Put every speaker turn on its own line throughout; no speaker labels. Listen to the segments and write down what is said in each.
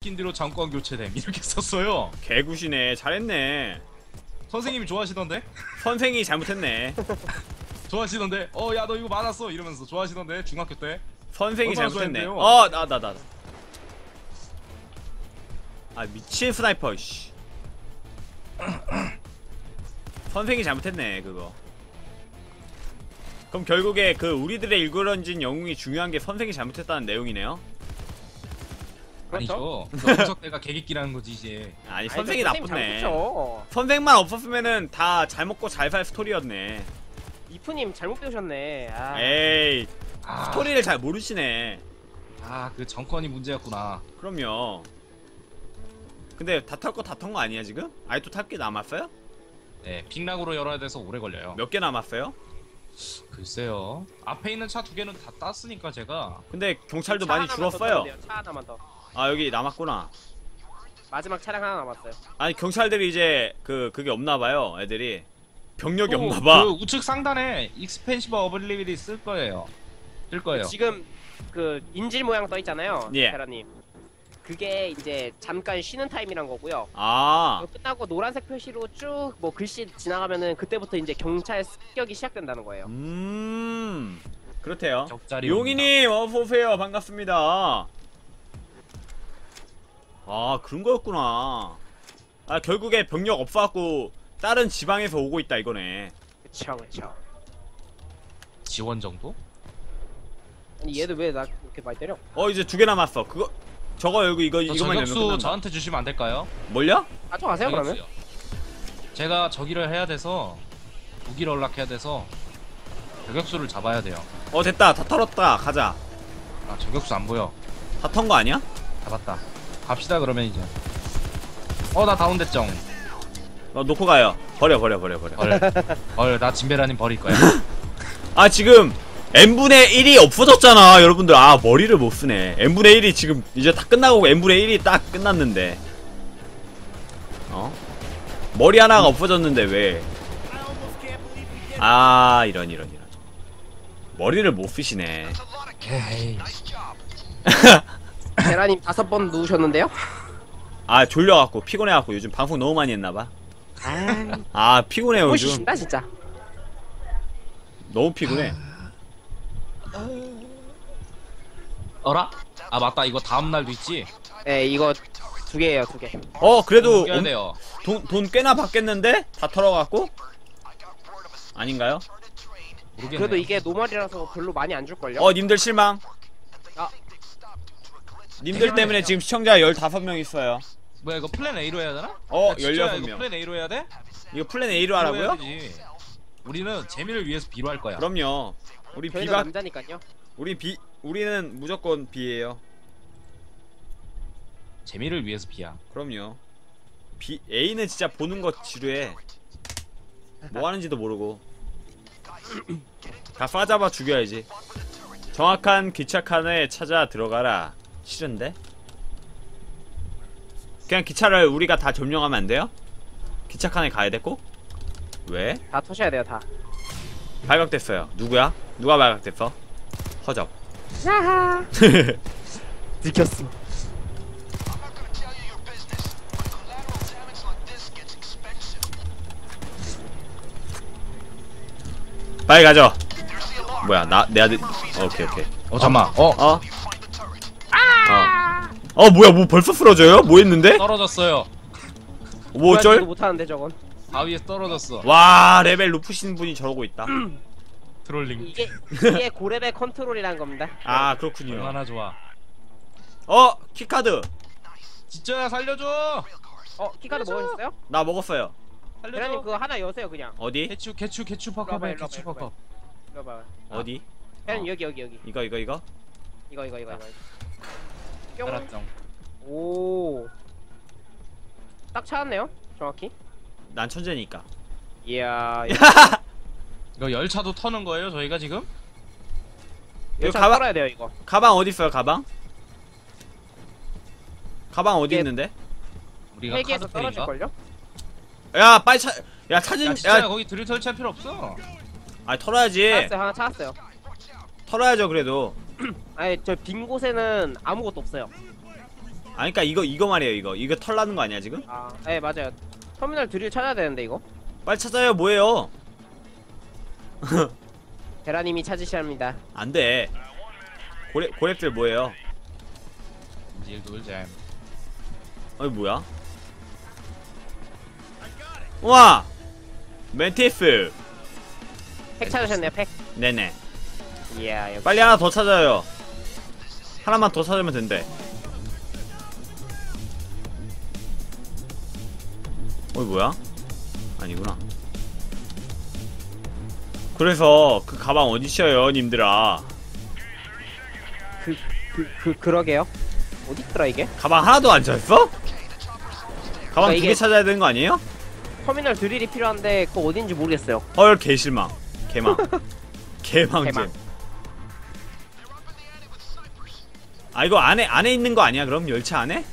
시킨 대로 장관 교체됨 이렇게 썼어요.
개구시네. 잘했네.
선생님이 좋아하시던데?
선생이 잘못했네.
좋아하시던데? 야 너 이거 맞았어 이러면서 좋아하시던데 중학교 때.
선생이
얼마나
잘못했네.
좋아했는데요?
나. 아 미친 스나이퍼. 씨. 선생이 잘못했네 그거. 그럼 결국에 그 우리들의 일그러진 영웅이 중요한 게 선생이 잘못했다는 내용이네요.
아니죠. 분석대가 개객기라는 거지 이제.
아니 선생이 나쁘네.
잘못했죠.
선생만 없었으면은 다 잘 먹고 잘 살 스토리였네.
이프님 잘못 배우셨네. 아.
에이 스토리를 잘 모르시네.
그 정권이 문제였구나.
그럼요. 근데 다 탈 거 다 탄 거 아니야 지금? 아직도 탈 게 남았어요?
네, 픽락으로 열어야 돼서 오래 걸려요.
몇 개 남았어요?
글쎄요. 앞에 있는 차 2개는 다 땄으니까 제가.
근데 경찰도
차
많이
하나만 더
줄었어요.
타면 돼요. 차 하나만 더.
아 여기 남았구나.
마지막 차량 하나 남았어요.
아니 경찰들이 이제 그게 없나봐요 애들이. 병력이
또
없나봐.
그 우측 상단에 익스펜시브 어블리비티 쓸 거예요.
지금 그 인질 모양 떠 있잖아요.
예.
테라님. 그게 이제 잠깐 쉬는 타임이란 거고요.
아
그거 끝나고 노란색 표시로 쭉 뭐 글씨 지나가면은 그때부터 이제 경찰 습격이 시작된다는 거예요.
그렇대요.
격자리
용이님 어서오세요. 반갑습니다. 아 그런 거였구나. 아 결국에 병력 없어갖고 다른 지방에서 오고 있다 이거네.
그쵸.
지원 정도?
아니 얘도 왜 나 이렇게 많이 때려?
이제 2개 남았어. 그거 저거 여기 이거만 열면
저격수
끝난다.
저한테 주시면 안 될까요?
뭘요?
가져가세요 그러면.
저격수요. 제가 저기를 해야 돼서 무기를 연락해야 돼서 저격수를 잡아야 돼요.
됐다. 다 털었다. 가자.
저격수 안 보여.
다 턴 거 아니야?
잡았다. 갑시다 그러면 이제. 나 다운됐정.
놓고 가요. 버려.
나 진베라님 버릴 거야.
아 지금 n분의 1이 없어졌잖아 여러분들. 머리를 못 쓰네. n분의 1이 지금 이제 다 끝나고 n분의 1이 딱 끝났는데 머리 하나가 없어졌는데 왜. 이런 머리를 못 쓰시네.
에이.
테라님 5번 누우셨는데요?
졸려갖고 피곤해갖고 요즘 방송 너무 많이 했나봐. 피곤해요 요즘.
보시신다 진짜.
너무 피곤해.
어라? 맞다. 이거 다음 날도 있지.
네 이거 2개예요 2개.
그래도
껴야 돼요.
돈 꽤나 받겠는데? 다 털어갖고? 아닌가요?
모르겠네.
그래도 이게 노멀이라서 별로 많이 안 줄걸요?
님들 실망.
아.
님들 때문에 지금 시청자 15명 있어요.
뭐야 이거 플랜 A로 해야 되나? 야,
16명.
이거 플랜 A로 해야 돼?
이거 플랜 A로 하라고요?
해야지. 우리는 재미를 위해서 B로 할 거야.
그럼요. 우리
저희는
B가
남자니까요.
우리는 무조건 B예요.
재미를 위해서 B야.
그럼요. A는 진짜 보는 거 지루해. 뭐 하는지도 모르고. 다 싸잡아 죽여야지. 정확한 기차칸에 찾아 들어가라. 싫은데? 그냥 기차를 우리가 다 점령하면 안 돼요? 기차칸에 가야 돼 꼭? 왜?
다 터셔야 돼요 다.
발각됐어요. 누구야? 누가 발각됐어? 허접.
하하. 들켰어.
빨리 가죠. 뭐야 내 아들. 오케이.
잠깐만.
뭐야 뭐 벌써 쓰러져요? 뭐 했는데?
떨어졌어요.
뭐 어쩔?
못하는데 저건.
바위에서 떨어졌어.
와 레벨 높으신 분이 저러고 있다.
트롤링.
이게 고레벨 컨트롤이라는 겁니다.
그렇군요.
얼마나 좋아.
키카드.
진짜야 살려줘.
키카드 먹으셨어요?
나 먹었어요.
대라님
살려줘.
그거 하나 여세요 그냥.
어디?
개추
일로 와봐,
팍팍해.
일로 와봐,
개추
일로 와봐.
팍팍.
이거 봐.
어디?
대라님 여기.
이거.
이거. 뿅.
알았정.
오. 딱 찾았네요. 정확히.
난 천재니까.
이야.
이거 열차도 터는 거예요 저희가 지금?
이거
이거
가방-
털어야 돼요 이거.
가방 어디 있어요? 가방 어디
이게-
있는데?
우리가
헬기에서
카드페인가?
떨어질걸요?
야 빨리 야 찾은.
야 진짜 거기 드릴 설치할 필요 없어.
털어야지.
찾았어요. 하나 찾았어요.
털어야죠 그래도.
아니 저 빈 곳에는 아무것도 없어요.
아니 그니까 이거 말이에요. 이거 털 나는 거 아니야 지금?
아, 네 맞아요. 터미널 드릴 찾아야 되는데 이거.
빨리 찾아요. 뭐예요?
베라님이 찾으셔야 합니다.
안돼. 고랩들 뭐예요?
인질 돌잼.
어이 뭐야? 우와! 멘티스.
팩 찾으셨네요. 팩.
네네.
이야 역시.
빨리 하나 더 찾아요. 하나만 더 찾으면 된대. 어이 뭐야? 아니구나. 그래서 그 가방 어디 있어요, 님들아?
그러게요. 어디 있더라 이게?
가방 하나도 안 찾았어? 가방 두 개
이게-
찾아야 되는 거 아니에요?
터미널 드릴이 필요한데 그거 어딘지 모르겠어요.
헐 개실망. 개망. 개망잼.
개망.
아 이거 안에 있는 거 아니야? 그럼 열차 안에?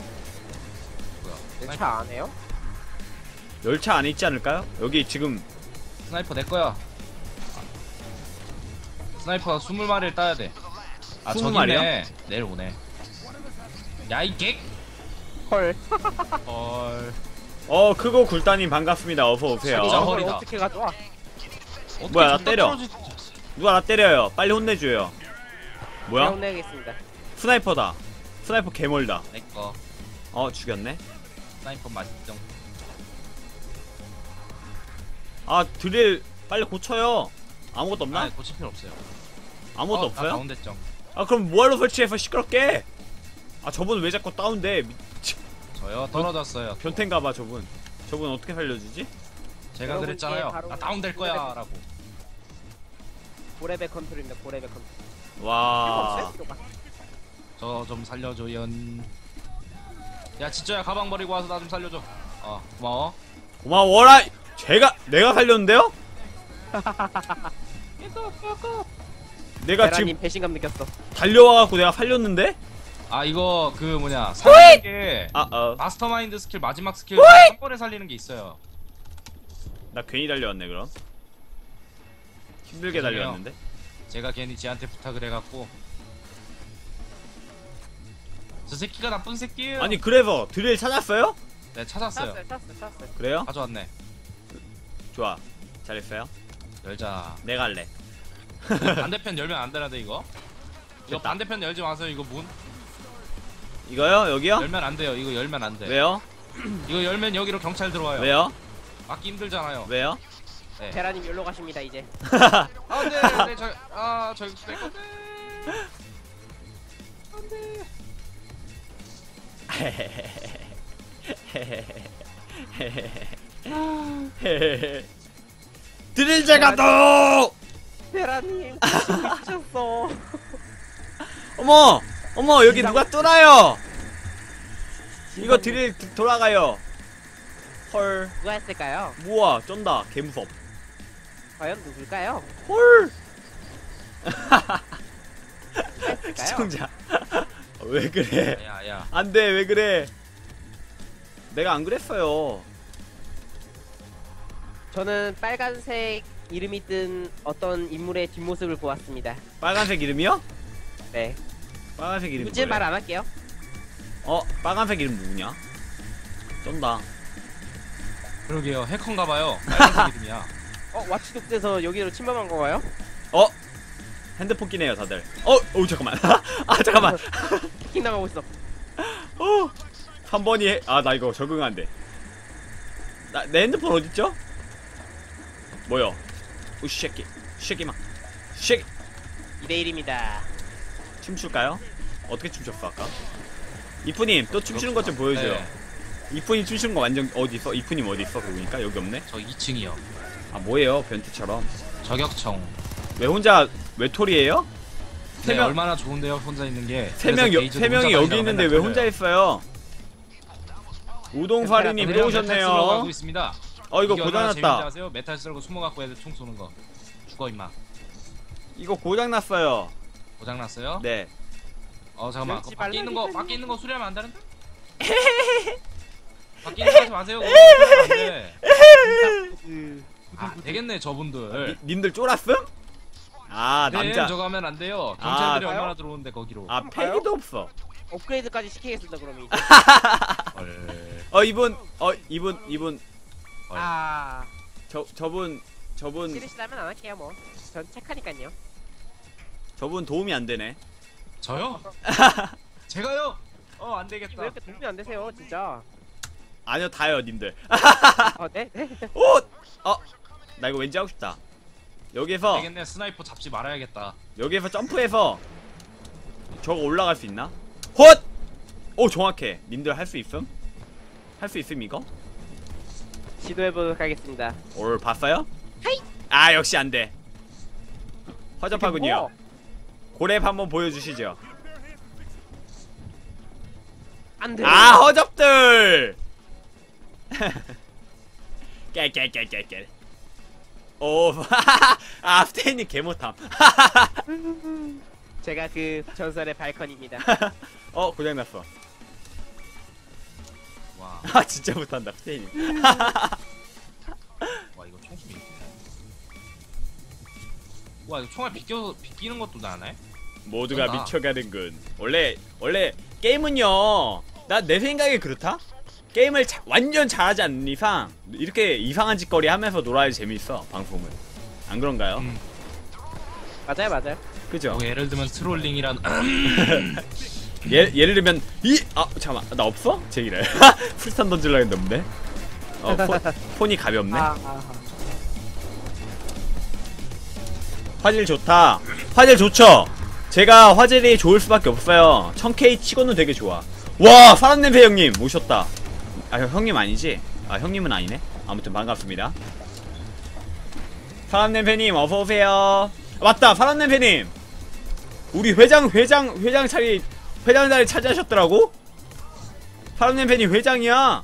뭐야?
차 안 해요?
열차 안에 있지 않을까요? 여기 지금
스나이퍼 내 거야. 스나이퍼가 20마리를 따야 돼. 아
20
저기
마리요?
있네. 내려오네. 야 이 객.
헐.
헐.
크고 굴다님 반갑습니다. 어서 오세요.
진짜
이걸
허리다.
어떻게 가져와?
어떻게
뭐야, 나
존나
때려.
떨어지-
누가 나 때려요. 빨리 혼내줘요.
제가
뭐야?
혼내겠습니다.
스나이퍼다. 스나이퍼 개멀다.
내 거.
죽였네.
스나이퍼 맛있죠.
아 드릴 빨리 고쳐요. 아무것도 없나?
아 고칠 필요 없어요.
아무것도
나
없어요?
다운됐죠.
아 그럼 뭐하러 설치해서 시끄럽게? 아 저분 왜 자꾸 다운돼?
저요 떨어졌어요.
변태인가봐 저분. 저분 어떻게 살려주지?
제가
여러분,
그랬잖아요.
이게 바로
나 다운될 거야라고.
고레벨 컨트롤입니다. 고레벨 컨트롤. 필요가
와.
없어요? 필요가.
저 좀 살려줘연. 야 진짜야 가방 버리고 와서 나 좀 살려줘. 고마워.
고마워라. 내가 살렸는데요? 내가 지금
베라님 배신감 느꼈어.
달려와갖고 내가 살렸는데?
아 이거 그 뭐냐 살리는 게
아
마스터마인드 스킬 마지막 스킬 한 번에 살리는 게 있어요.
나 괜히 달려왔네 그럼. 힘들게
죄송해요.
달려왔는데.
제가 괜히 지한테 부탁을 해갖고 저 새끼가 나쁜 새끼예요.
아니 그래서 드릴 찾았어요?
네 찾았어요.
찾았어요.
그래요?
가져왔네.
좋아. 잘했어요.
열자.
내가 할래.
반대편 열면 안 되는데 이거. 이거
됐다.
반대편 열지 마세요. 이거 문
이거요? 여기요?
열면 안 돼요. 이거 열면 안 돼.
왜요?
이거 열면 여기로 경찰 들어와요.
왜요?
막기 힘들잖아요.
왜요?
네.
베라님 여기로 가십니다 이제.
네, 저기 내 건데.
드릴 제가 또!
베라님 미쳤어.
어머 여기 누가 뚫어요? 이거 드릴 돌아가요. 헐.
누가 했을까요?
우와 쩐다 개무섭.
과연 누굴까요?
헐.
누가 했을까요?
시청자. 왜 그래?
야야.
안돼 왜 그래? 내가 안 그랬어요.
저는 빨간색 이름이 뜬 어떤 인물의 뒷모습을 보았습니다.
빨간색 이름이요?
네.
빨간색 이름이
누군지 말
뭐예요?
안 할게요.
빨간색 이름 누구냐? 쩐다.
그러게요. 해커인가봐요. 빨간색 이름이야.
와치독에서 여기로 침범한 건가요?
핸드폰 끼네요 다들. 잠깐만. 잠깐만.
해킹 당하고 있어.
3번이 나 이거 적응 안 돼. 내 핸드폰 어딨죠? 뭐요? 쉐끼 쉐끼마 쉐끼.
2대1입니다.
춤출까요? 어떻게 춤췄어 아까? 이프님 또 춤추는 것 좀 보여줘요.
네.
이프님 춤추는 거 완전 어디 있어? 이프님 어디 있어? 그러니까 여기 없네.
저 2층이요.
뭐예요 변태처럼?
저격청.
왜 혼자 외톨이에요?
네,
명-
얼마나 좋은데요 혼자 있는 게.
세 명이 여기 있는데 왜 혼자 있어요? 우동사리님 또 오셨네요.
가고 있습니다.
이거
이게 얼마나 재밌는지
고장났다.
아세요? 메탈 썰고 숨어갖고 애들 총 쏘는 거. 죽어 임마.
이거 고장났어요.
고장났어요?
네.
잠깐만.
멸치
그거
발라니까요.
밖에 있는 거 수리하면 안 되는데? 밖에 있는 거 하지 마세요. 그거 수리하면 안 돼. 되겠네 저분들.
님들 쫄았음?
네,
남자.
저거 하면 안 돼요. 경찰들이
가요?
얼마나 들어오는데 거기로.
패기도 없어.
업그레이드까지 시키겠습니다 그럼 이제.
이분
아
저분
싫으시다면 안 할게요 뭐. 전 착하니까요.
저분 도움이 안 되네.
저요? 제가요? 안
왜
되겠다.
이렇게 도움이 안 되세요 진짜.
아니요, 다요, 님들.
네? 네?
오! 나 이거 왠지 하고 싶다. 여기에서
되겠네. 스나이퍼 잡지 말아야겠다.
점프해서 저거 올라갈 수 있나? 헛! 오, 정확해. 님들 할 수 있음? 할 수 있음 이거?
시도해보도록 하겠습니다.
올 봤어요?
하이!
아, 역시 안 돼. 허접하군요.
뭐?
고랩 한번 보여주시죠.
안 돼.
아, 허접들! 깨. 오, 아, 스테이님 개못함.
제가 그 전설의 발컨입니다.
고장났어.
와,
아, 진짜 못한다, 스테이님.
와 이거 총수이. 와 이거 총알 비끼는 것도 나네.
모두가
쩐다.
미쳐가는군. 원래 게임은요, 내 생각에 그렇다? 게임을 완전 잘하지 않는 이상 이렇게 이상한 짓거리 하면서 놀아야 재밌어, 방송은. 안 그런가요?
맞아요.
그죠?
뭐 예를 들면 트롤링이란.
예를 들면 잠깐만, 나 없어? 제기를 풀스탄 던질라 했는데 폰이 가볍네. 화질 좋다. 화질 좋죠? 제가 화질이 좋을 수밖에 없어요. 1000K 치고는 되게 좋아. 와, 사람냄새 형님 오셨다. 아, 형님 아니지? 아, 형님은 아니네. 아무튼 반갑습니다. 사람냄새님 어서오세요. 맞다, 사람냄새님 우리 회장 자리 차지하셨더라고? 사람냄새님 회장이야.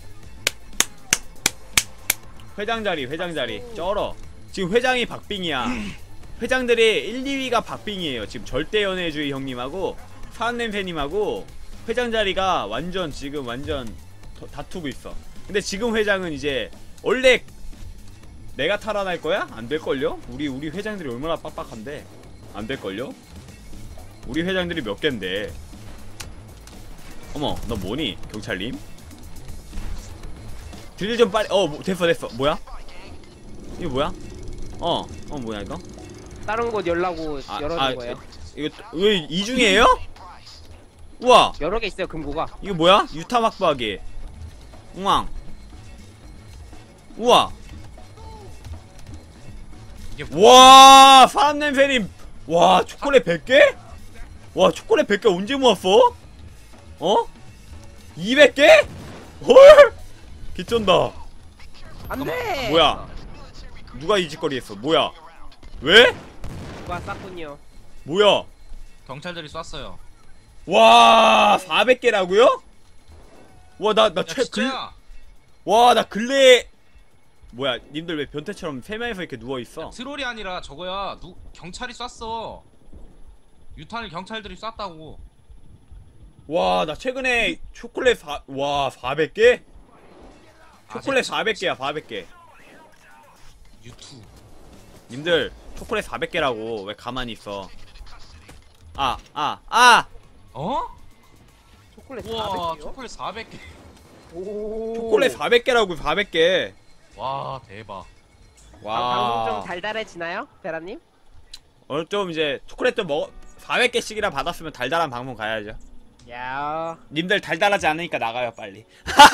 회장 자리 쩔어. 지금 회장이 박빙이야. 회장들이 1, 2위가 박빙이에요. 지금 절대연애주의 형님하고 사람냄새님하고 회장 자리가 지금 완전 다투고 있어. 근데 지금 회장은 이제 원래 내가 탈환할 거야? 안 될걸요? 우리 회장들이 얼마나 빡빡한데. 안 될걸요? 우리 회장들이 몇 갠데. 어머, 너 뭐니? 경찰님? 딜 좀 빨리. 됐어. 뭐야? 이거 뭐야? 뭐야 이거?
다른 곳 열라고 열어둔 거예요.
이거 왜 이중이에요? 우와,
여러 개 있어요 금고가.
이거 뭐야? 유타 막박이. 우왕. 우와.
이게
와, 사람냄새님. 와, 초콜릿 100개? 와, 초콜릿 100개 언제 모았어? 200개? 헐! 개쩐다.
안돼.
뭐야? 누가 이 짓거리 했어? 뭐야? 왜?
누가 쌌군요.
뭐야?
경찰들이 쐈어요.
와, 400개라고요? 와, 나
야 진짜야?
나 근래에 뭐야, 님들 왜 변태처럼 3명이서 이렇게 누워있어?
트롤이 아니라 저거야. 경찰이 쐈어. 유탄을 경찰들이 쐈다고.
와, 나 최근에 초콜릿 400개? 초콜릿 400개야, 400개.
유투.
님들, 초콜릿 400개라고. 왜 가만히 있어?
초콜릿
우와
400개요?
초콜릿 400개.
오.
초콜릿 400개라고, 400개.
와 대박.
방송 좀
와.
달달해지나요, 베라님?
좀 이제 초콜릿 좀 400개씩이나 받았으면 달달한 방송 가야죠.
야.
님들 달달하지 않으니까 나가요, 빨리.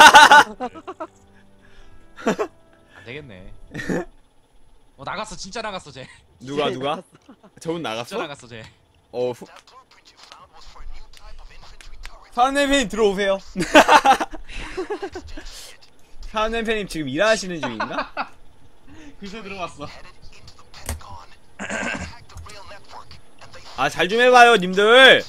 안 되겠네. 나갔어. 진짜 나갔어 쟤.
누가? 저분
진짜
나갔어?
나갔어 쟤.
사은냄새님 들어오세요. 사은냄새님 지금 일하시는 중인가?
글쎄 들어왔어.
아, 잘 좀 해봐요, 님들.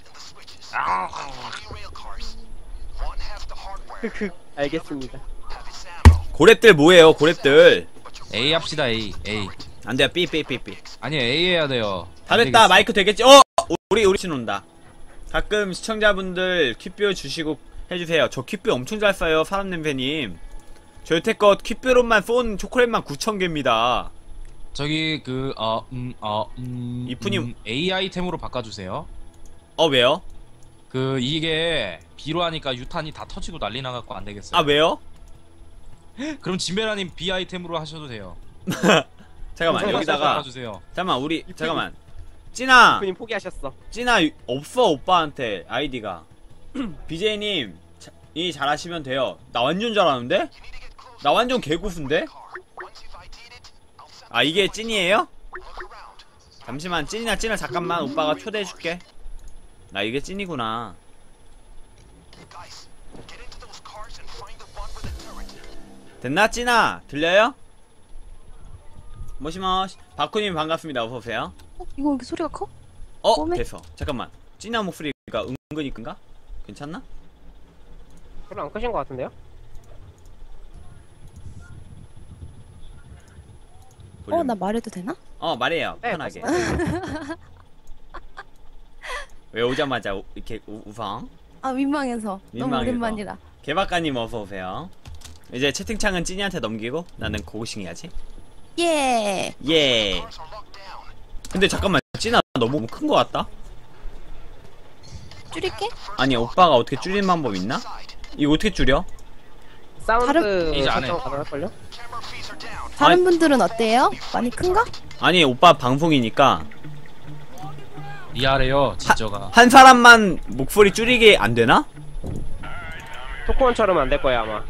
알겠습니다.
고랩들 뭐예요, 고랩들?
A 합시다 A.
안 돼요, 삐.
아니 A 해야 돼요.
다
안
됐다,
되겠어.
마이크 되겠지? 우리 신온다. 가끔 시청자분들 퀴뷰 주시고 해주세요. 저 퀴뷰 엄청 잘 써요, 사람냄새님. 저 여태껏 퀴뷰로만 쏜 초콜릿만 9,000개입니다.
저기
이쁜이-
A 아이템으로 바꿔주세요.
왜요?
그 이게 B로 하니까 유탄이 다 터지고 난리 나갖고 안 되겠어요.
아 왜요?
그럼 진베라님 B 아이템으로 하셔도 돼요.
잠깐만 여기다가
주세요.
잠깐만 우리 잠깐만 찐아
군인 포기하셨어.
찐아 없어 오빠한테 아이디가. BJ님 이 잘하시면 돼요. 나 완전 잘하는데? 나 완전 개고수인데? 아 이게 찐이에요? 잠시만 찐이나 잠깐만 오빠가 초대해줄게. 나 이게 찐이구나. 됐나 찐아? 들려요? 모시모시 바쿠님 반갑습니다. 어서오세요.
이거 왜 이렇게 소리가 커?
어? 됐어. 잠깐만 찐아 목소리가 은근히 끈가? 괜찮나?
별로 안 크신 것 같은데요?
볼륨.
나 말해도 되나?
말해요
네,
편하게. 왜 오자마자 이렇게 우성?
아 민망해서. 너무
민망해서.
오랜만이라.
개박가님 어서오세요. 이제 채팅창은 찐이한테 넘기고 나는 고고싱 해야지.
예.
예. 근데 잠깐만 찐아 너무 큰 거 같다?
줄일게.
아니 오빠가 어떻게 줄이는 방법 있나? 이거 어떻게 줄여?
사운드
이제 안 해.
설정 가능할걸요?
다른
아니-
분들은 어때요? 많이 큰가?
아니 오빠 방송이니까
리아래요 진저가.
한 사람만 목소리 줄이게 안 되나?
토크원처럼 안 될 거예요 아마.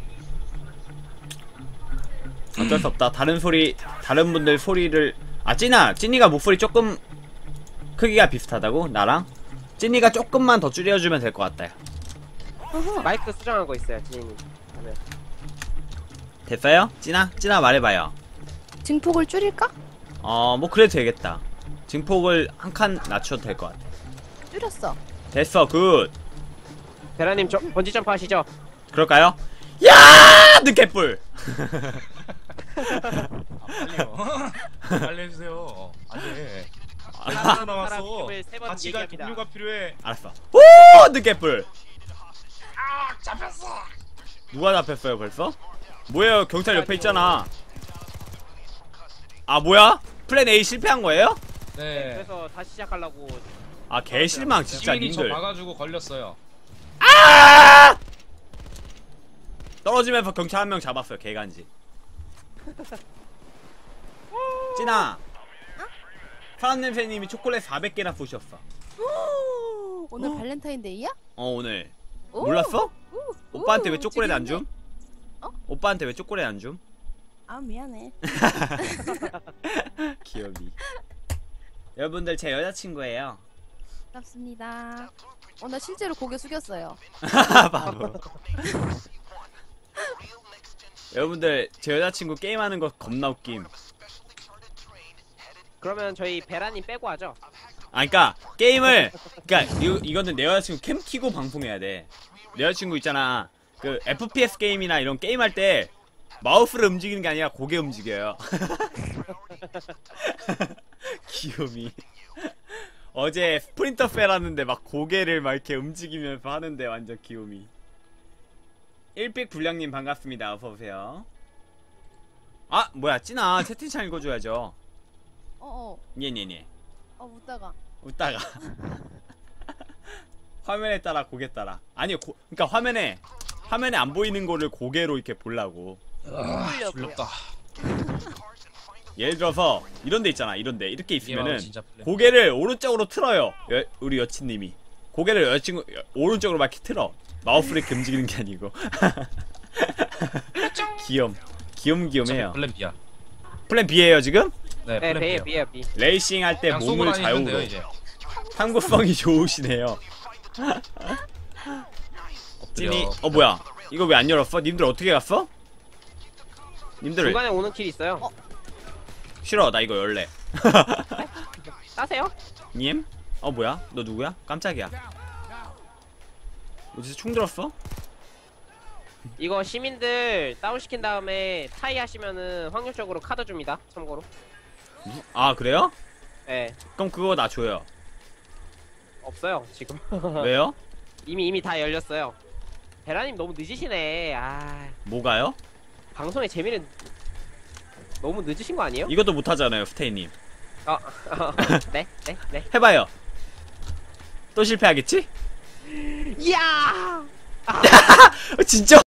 어쩔 수 없다. 다른 분들 소리를 찐이가 목소리 조금 크기가 비슷하다고? 나랑? 찐이가 조금만 더 줄여주면 될 것 같다.
마이크 수정한 거 있어요 지인님. 네.
됐어요? 찐아 말해봐요.
증폭을 줄일까?
뭐 그래도 되겠다. 증폭을 한 칸 낮춰도 될 것 같아.
줄였어.
됐어, 굿.
베라님 번지 점프 하시죠?
그럴까요? 야! 늦개뿔!
빨리요. 빨리 해주세요. 안돼. 하나
사람
남았어.
이름을 세번
같이 갈
얘기합니다.
동료가 필요해.
알았어. 오! 늦개뿔!
잡혔어.
누가 잡혔어요, 벌써? 뭐예요, 경찰 옆에 있잖아. 아, 뭐야? 플랜 A 실패한 거예요?
네.
그래서 다시 시작하려고.
아, 개실망, 진짜,
시민이 저
님들.
봐가지고 걸렸어요.
아! 떨어지면서 경찰 한 명 잡았어요, 개간지. 찐아. 사람냄새님이 초콜릿 400개나 쏘셨어.
오늘 발렌타인데이야?
오늘.
오!
몰랐어?
오!
오빠한테 왜
오,
초콜릿 안 줌?
어?
오빠한테 왜 초콜릿 안 줌?
아 미안해.
귀여비. 여러분들 제 여자친구예요.
반갑습니다. 나 실제로 고개 숙였어요.
바로. 여러분들 제 여자친구 게임하는 거 겁나 웃김.
그러면 저희 베라님 빼고 하죠.
그니까 게임을 이거는 내 여자친구 캠 키고 방송해야 돼. 내 여자친구 있잖아, 그 FPS 게임이나 이런 게임 할 때 마우스를 움직이는 게 아니라 고개 움직여요. 귀요미. 어제 스프린터 펠 하는데 막 고개를 막 이렇게 움직이면서 하는데 완전 귀요미. 일픽 불량님 반갑습니다. 어서오세요. 아 뭐야 찐아 채팅창 읽어줘야죠. 예.
웃다가.
화면에 따라 고개 따라. 아니 그니까 화면에 안 보이는 거를 고개로 이렇게 보려고.
불렀다.
예를 들어서 이런 데 있잖아. 이런 데 이렇게 있으면은
진짜 플랜.
고개를 오른쪽으로 틀어요. 우리 여친님이 고개를 여자친구 오른쪽으로 막 이렇게 틀어. 마우스를 이렇게 움직이는 게 아니고. 귀염귀염해요.
플랜 B야.
플랜 B예요 지금?
네,
네,
플랜 B야.
B.
레이싱 할 때
그냥 쏘고
몸을
다니면 돼요
좌우로.
이제.
탐구성이 좋으시네요. 찐이 뭐야? 이거 왜 안 열었어? 님들 어떻게 갔어? 님들
중간에 오는 길 있어요.
싫어. 나 이거 열래.
따세요?
님? 뭐야? 너 누구야? 깜짝이야. 어디서 총 들었어?
이거 시민들 다운시킨 다음에 타이 하시면은 확률적으로 카드 줍니다. 참고로.
아 그래요?
네.
그럼 그거 나 줘요.
없어요 지금.
왜요?
이미 다 열렸어요. 베라님 너무 늦으시네.
뭐가요?
방송의 재미는 너무 늦으신 거 아니에요?
이것도 못하잖아요 스테이님.
네.
해봐요. 또 실패하겠지?
야!
진짜